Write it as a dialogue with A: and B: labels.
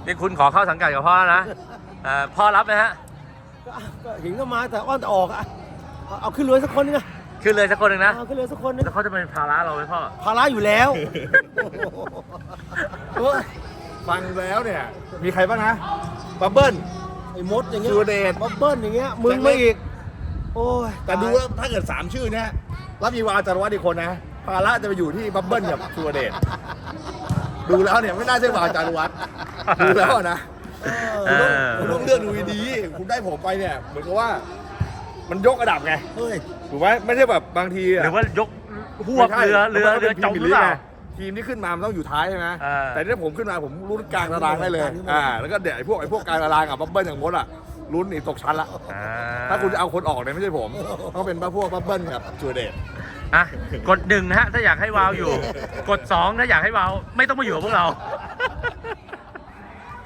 A: นี่คุณขอเข้าสังกัดกับพ่อนะพ่อรับไหมฮะ
B: ก็เห็นก็มาแต่อ้อนแต่ออกอะเอาขึ้นเรือสักคนนึงอะ
A: ขึ้นเลยสักคนหนึ่งนะ
B: เอาขึ้นเรือสักคนนึง
A: แล้วเขาจะเป็นภาระเราไหมพ่อ
B: ภาระอยู่แล้ว
C: ฟังแล้วเนี่ยมีใครบ้างนะบับเบิ้ล
B: ไอ้มดอย่างเงี้ย
C: สุรเดช
B: บับเบิ้ลอย่างเงี้ยมึงไม่อีกโอ้ย
C: แต่ดูแล้วถ้าเกิด3ชื่อเนี่ยแล้วมีวาจารวัฒน์อีกคนนะภาระจะไปอยู่ที่บับเบิ้ลกับสุรเดชดูแล้วเนี่ยไม่น่าใช่วาจารวัฒน์ดูแล้วนะคุณต้องเลือกดูดีๆคุณได้ผมไปเนี่ยเหมือนกับว่ามันยกระดับไง
B: เฮ้ย
C: ถูกไหมไม่ใช่แบบบางทีะ
A: หรือว่ายกหวบเรือจมหรือเปล่า
C: ทีมที่ขึ้นมามันต้องอยู่ท้ายใช่ไหม
A: อ่า
C: แต่ถ้าผมขึ้นมาผมลุ้นกลางตารางได้เลยแล้วก็เดี๋ยวไอ้พวกกลางตารางกับบับเบิ้ลอย่างมดอ่ะลุ้นหนีตกชั้นละถ้าคุณจะเอาคนออกเนี่ยไม่ใช่ผมต้องเป็นพวกบับเบิ้ลกับจูเดต
A: กด1นะฮะถ้าอยากให้วาวอยู่ กด2ถ้าอยากให้วาวไม่ต้องมาอยู่กับพวกเรา